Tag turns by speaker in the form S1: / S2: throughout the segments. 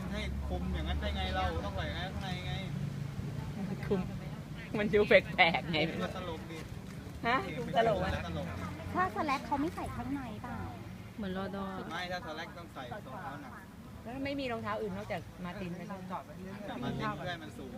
S1: นให้คุมอย่างนั้นได้ไงเราต้องใส่ข้างในไง
S2: คุมมันดูแปลกๆไง
S1: ก็ตลกดี
S2: ฮะตลกไหม
S1: ตลก
S3: ถ้าสแลกเขาไม่ใส่ข้างในเปล่า
S2: เหมือนรอดอ
S1: ไม่ถ้าสแลกต้องใส่รองเท้าหนัก
S2: แล้วไม่มีรองเท้าอื่นนอกจากมาตินไปเลย
S1: แต่มาทิ้งเพื่อให้มันสูง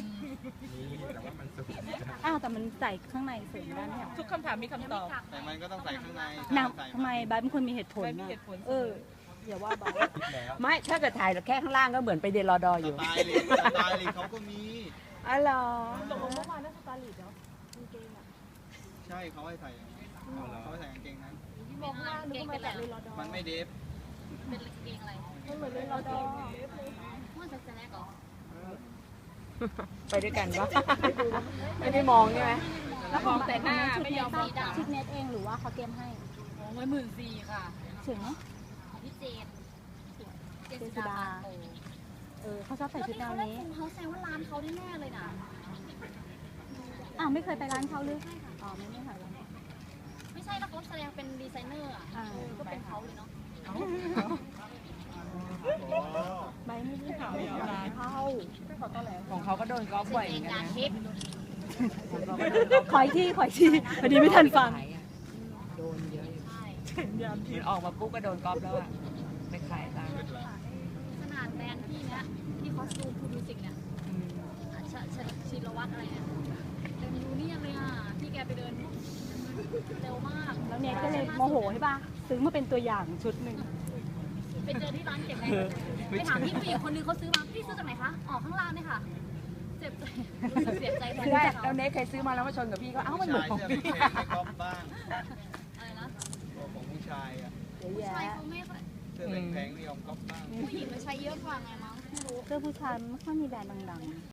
S3: อ้าวแต่มันใส่ข้างในเสริมได้ไหมอ่ะ
S2: ทุกคำถามมีคำตอบ
S1: แต่มันก็ต้องใส่ข้างใน
S3: นาง
S1: ใส่
S3: ทำไมบายเป็นคนมีเหตุผล
S2: บายมี
S3: อะ
S2: เหตุผล
S3: อย่าว่าบาย
S2: ไม่ถ้าเกิดถ่ายแค่ข้างล่างก็เหมือนไปเรียนรอดอ
S1: ส
S2: อยู่
S1: ไตล์ลีกสไตล์ลีกเขาก็มี
S2: อ๋อเหรอ
S3: ตกลงเมื่อวานน่าสตาร์ลิดเนาะกางเกงอ่ะ
S1: ใช่เขาให้ใส่อย่างนี้เขาให้ใส่กางเกงนั้น
S3: มองว่านึกว่ามาจากเรลอดอ
S1: มันไม่เดฟ
S4: เป็นเกงอะไร
S3: มันเหมือนเรลอดอ
S4: มันจะแรกเหรอ
S2: ไปด้วยกันปะไม่ได้มองใช่ไหม
S3: แล้วของแต่หน้าไม่ยอมชิดเน็ตเองหรือว่าเขาเตรียมให้
S4: โอ้ย14,000ค่ะ
S3: ถึงไหม
S4: ของพี่เจนเจน
S3: เจนสุ
S4: สุ
S3: ดา
S4: ดาโอ้
S3: เขาชอบใส่ชุดแนวนี้
S4: เขาแซงว่าร้านเขาแน่ๆเลยนะ
S3: อ้าวไม่เคยไปร้านเขาหรืออ๋อไม่เคยร้าน
S4: ไม่ใช่แล้วเขาแสดงเป็นดีไซเนอร์อ่ะก็เป็นเขาเลยเนาะ
S3: ใบไม่ได้ถามร้านเขาขอต้อนรับ
S2: ของเขาก็โดนกอล์ฟบ่อยเห
S4: เอ
S2: มือง นกั
S4: กาน ร
S2: นะ
S4: ทิป
S3: ขออีกทีพอดีไม่ทันฟัง
S2: โดนเยอะอยู่
S4: ใช่
S2: มันออกมาปุ๊บก็โดนกอล์ฟแล้วอะไปขายตังค์
S4: ขนาดแบรนด์พี่เนี้ยที่คอสตูมพูมิวสิกเนี่ยชินวัตรอะไรเนี่ยเต็มยูเนี่ยเลยอ่ะพี่แกไปเดินเร็วมาก
S3: แล้วเนี่ยก็เลยโมโหใช่ป่ะซื้อมาเป็นตัวอย่างชุดหนึ่ง
S4: ไปเจอที่ร้านเก็บไงไปถามพี่ผู้หญิงคนนึงเขาซื้อมาพี่ซื้อจากไหนคะออกข้างล่างเนี่ยค่ะเจ็บใจรู้สึกเสียใจแทน
S2: ซื้อได้
S4: เขา
S2: แล้วเนสเคยซื้อมาแล้วมาชนกับพี่ก็เอ้ามันเหมือนของ
S1: เสื้อ
S2: พี่
S1: เพลงให้ก๊อฟบ้าง
S4: อะไรนะ
S1: ของผู้ชายอ่ะ
S3: เยอะ
S4: ผู้
S3: แยะ
S4: ชายเขาไม่ค่อย
S1: เสื้อแพงๆนี่ของก๊อฟบ้าง
S4: ผู้หญิงมันใช้เยอะกว่าไงมั้งไม่รู้
S3: เสื้อผู้ชายไม่ค่อยมีแบรนด์ดังๆ